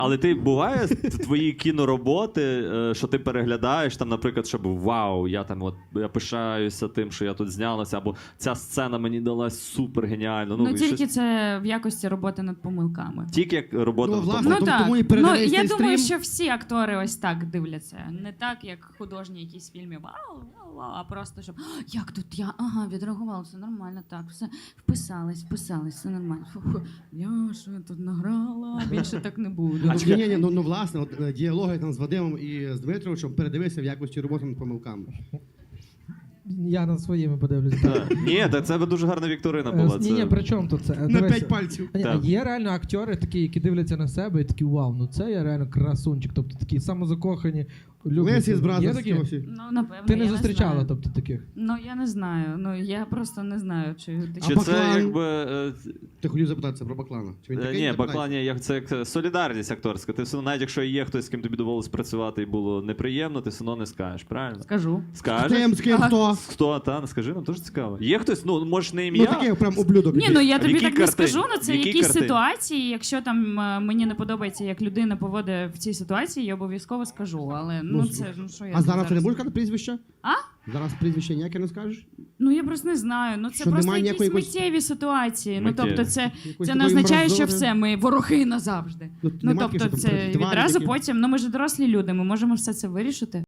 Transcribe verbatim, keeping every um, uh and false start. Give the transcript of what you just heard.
Але ти буває твої кінороботи, що ти переглядаєш, там, наприклад, щоб вау, я там от я пишаюся тим, що я тут знялася, або ця сцена мені далась супер геніально. Ну, Ну, тільки щось... це в якості роботи над помилками. Тільки як робота Ну, в власне, тому. Ну тому- так, тому і ну, передається я і думаю, стрім. що всі актори ось так дивляться. Не так, як художні якісь фільми, вау, вау, вау, а просто, щоб, «А, як тут я, ага, відреагувала, все нормально, так, все, вписались, вписались, все нормально. Фу-фу, я що я тут награла, більше так не буду. Ну, ні, ні, ні, ну, ну власне, от, е, діалоги там з Вадимом і з Дмитровичем передивився в якості роботи над помилками. Я над своїми подивлюсь. Так. Ні, та це дуже гарна вікторина була. Е, Ні, Це... ні, при чому тут це? На Дивись, п'ять пальців. а ні, а Так. є реально актори такі, які дивляться на себе і такі, вау, ну це я реально красунчик, тобто такі самозакохані, люблять. Лесі з Є братом такі? Скіосі. Ну, напевно, Ти не я зустрічала, знаю. тобто, таких? Ну, я не знаю, ну, я просто не знаю, чи... А Чи це Баклан? якби... е, Ти хотів запитатися про Баклана. Чи він Е, такий? Ні, Запитай. Баклан, ні, як- це як солідарність акторська. Ти все одно, навіть якщо є хтось, з ким тобі довелось працювати і було неприємно, ти все одно не скажеш, правильно? Скажу. З Скажеш? ким, з ким, Ага. хто? Хто, та, скажи, нам дуже цікаво. Є хтось, ну, можеш не Ну ім'я. такий прям ублюдок. Ні, ну я А в тобі якій так не картині? скажу, ну це В якій якісь картині? ситуації. Якщо там е, мені не подобається, як людина поводить в цій ситуації, я обов'язково скажу. Але ну Ну, це ну що я А зараз ти не зараз- будеш казати прізвище? А? Зараз прізвище ніяке не скажеш? Ну я просто не знаю. Ну це Що, просто немає якісь ніякої якоїсь- миттєві ситуації. Миттєві. Ну тобто, це, Якоїсь це не такої означає, що мразори? все, ми вороги назавжди. Ну, Ну немає таких, тобто, що там це тварі відразу такі? потім. Ну ми ж дорослі люди, ми можемо все це вирішити.